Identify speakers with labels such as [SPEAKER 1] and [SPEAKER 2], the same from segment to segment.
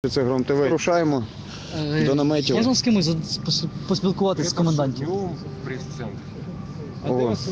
[SPEAKER 1] Це Гром ТВ. Рушаємо до наметів.
[SPEAKER 2] Можна з кимось поспілкуватися з комендантів?
[SPEAKER 3] Днем в пресс-центре.
[SPEAKER 2] А де вас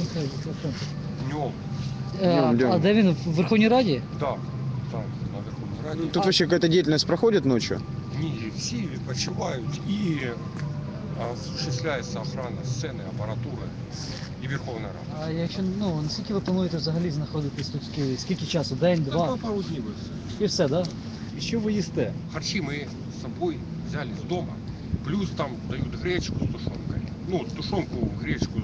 [SPEAKER 3] Днем.
[SPEAKER 2] А де він? В Верховній Раді?
[SPEAKER 3] Да, там, на Верховной Раді.
[SPEAKER 1] Тут вообще какая-то деятельность проходит ночью?
[SPEAKER 3] Ні, всі відпочивають і осуществляється охрана сцени, апаратури і Верховна Рада.
[SPEAKER 2] А якщо, наскільки ви плануєте взагалі знаходитись тут в Києві? Скільки часу? День, два?
[SPEAKER 3] Пару днів.
[SPEAKER 2] І все, так? Да?
[SPEAKER 4] І що ви їсте?
[SPEAKER 3] Харчі ми з собою взяли з дому. Плюс там дають гречку з тушонкою. Ну, тушонку, гречку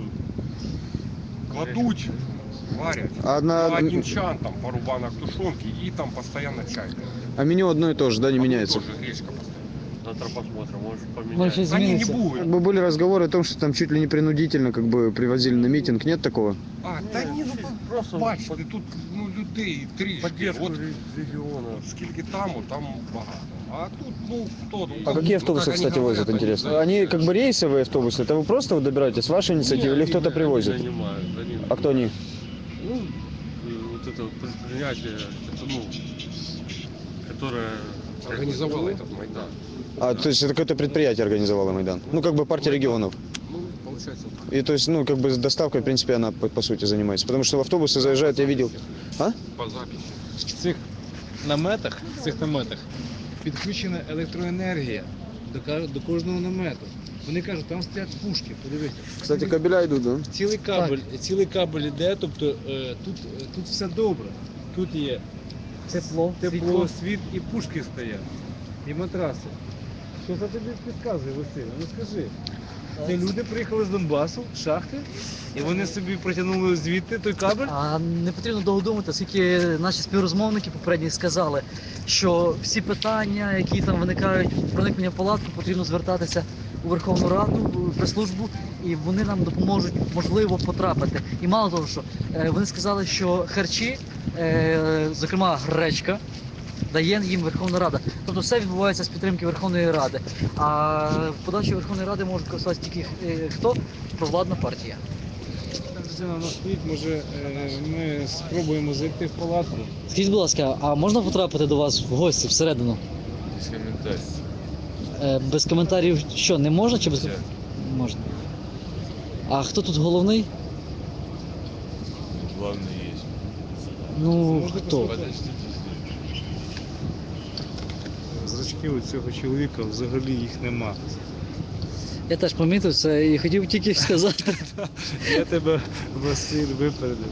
[SPEAKER 3] кладуть, варять. На один чан там пару банок тушонки и там постоянно чай.
[SPEAKER 1] А меню одно и то же, да, не меняется?
[SPEAKER 3] Тоже гречка постоянно.
[SPEAKER 4] Завтра посмотрим, может
[SPEAKER 2] Може,
[SPEAKER 4] поменяется.
[SPEAKER 2] щось
[SPEAKER 3] Они не
[SPEAKER 2] зміниться?
[SPEAKER 1] Как
[SPEAKER 3] будут.
[SPEAKER 1] бы были разговоры о том, что там чуть ли не принудительно как бы привозили на митинг. Нет такого?
[SPEAKER 3] Та ні,
[SPEAKER 4] Просто
[SPEAKER 3] бачите, тут людей трішки.
[SPEAKER 4] поддержку
[SPEAKER 3] От
[SPEAKER 4] региона.
[SPEAKER 3] скільки там багато. А тут, хто?
[SPEAKER 1] А какие автобусы, кстати, возят, интересно? Они как бы рейсовые автобусы? Это вы просто добираетесь с вашей инициативы или кто-то привозит? А кто они?
[SPEAKER 4] Ну, вот это вот предприятие, это, которое...
[SPEAKER 3] Организовало этот Майдан.
[SPEAKER 1] А, то есть это какое-то предприятие организовало Майдан? Ну, как бы партия регионов.
[SPEAKER 3] Ну, получается так.
[SPEAKER 1] И то есть, как бы с доставкой, в принципе, она по сути занимается. Потому что в автобусы заезжают, я видел. А?
[SPEAKER 3] По записи.
[SPEAKER 5] В цих наметах підключена електроенергія до кожного намету. Вони кажуть, там стоять пушки, подивіться.
[SPEAKER 1] Кстати, кабеля идут, да?
[SPEAKER 5] Цілий кабель іде, тобто тут все добре. Тут є тепло, світ і пушки стоять, і матраси. Що це тобі підказує, Василь? Ну скажи. Ці люди приїхали з Донбасу, з шахти, і вони собі протягнули звідти той кабель.
[SPEAKER 2] А не потрібно довго думати, оскільки наші співрозмовники попередні сказали, що всі питання, які там виникають проникнення в палатку, потрібно звертатися у Верховну Раду, в прес-службу, і вони нам допоможуть, можливо, потрапити. І мало того, що вони сказали, що харчі, зокрема гречка, дає їм Верховна Рада. Тобто все відбувається з підтримки Верховної Ради. А подачі Верховної Ради можуть користуватися тільки хто? Провладна партія.
[SPEAKER 5] Там дитина у нас стоїть, може ми спробуємо зайти в палатку.
[SPEAKER 2] Скажіть, будь ласка, а можна потрапити до вас в гості всередину?
[SPEAKER 4] Без комментариев.
[SPEAKER 2] Без коментарів що, не можна чи без коментарів? Можна. А хто тут головний?
[SPEAKER 4] Главное есть.
[SPEAKER 2] Ну, хто?
[SPEAKER 4] Подождите.
[SPEAKER 5] Зрачки у цього чоловіка взагалі їх нема.
[SPEAKER 2] Я теж помітив це і хотів тільки сказати.
[SPEAKER 5] Я тебе, Василь, випередив.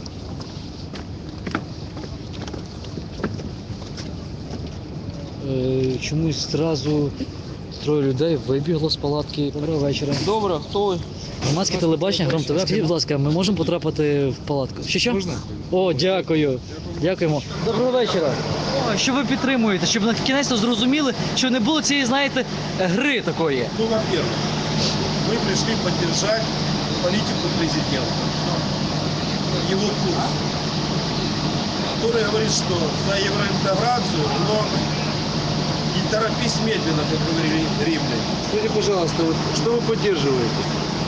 [SPEAKER 2] Чомусь одразу троє людей вибігло з палатки. Доброго вечора.
[SPEAKER 6] Добре, хто ви?
[SPEAKER 2] Громадське телебачення, Гром ТВ. Скажіть, будь ласка, ми можемо потрапити в палатку? Що?
[SPEAKER 5] Можна?
[SPEAKER 2] О, дякую. Дякуємо. Доброго вечора. О, що ви підтримуєте, щоб на кінець зрозуміли, що не було цієї, знаєте, гри такої.
[SPEAKER 7] Ну, во-первых, мы пришли поддержать политику президента, его курс, который говорит, что за евроинтеграцию, но не торопись медленно, как говорили римляне.
[SPEAKER 5] Скажіть, пожалуйста, що ви підтримуєте?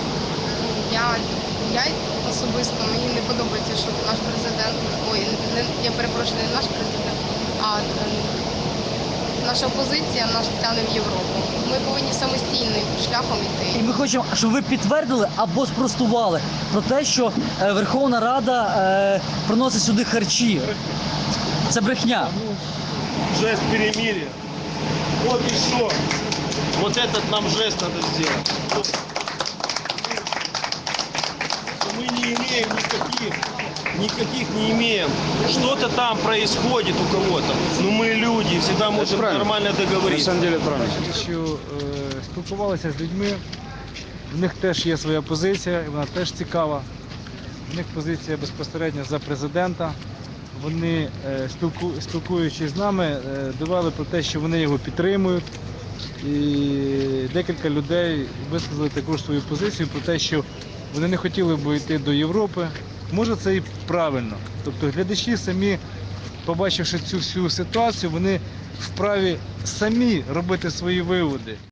[SPEAKER 8] Я особисто, мені не подобається, що наш президент, я перепрошую, не наш президент, а наша опозиція нас тягне в Європу. Ми повинні самостійним шляхом йти.
[SPEAKER 2] І ми хочемо, щоб ви підтвердили або спростували про те, що Верховна Рада приносить сюди харчі. Це брехня.
[SPEAKER 7] Жест перемирия. Вот и все. Вот этот нам жест надо сделать. Мы не имеем никаких не имеем. Что-то там происходит у кого-то. Но мы люди, всегда можем нормально
[SPEAKER 1] На
[SPEAKER 7] договориться.
[SPEAKER 1] самом деле, это правильно.
[SPEAKER 5] Що спілкувалися з людьми, в них теж є своя позиція, і вона теж цікава. В них позиція безпосередньо за президента. Вони, спілкуючись з нами, довели про те, що вони його підтримують. І декілька людей висказали також свою позицію про те, що вони не хотіли б йти до Європи. Може, це і правильно. Тобто глядачі самі, побачивши цю всю ситуацію, вони вправі самі робити свої виводи.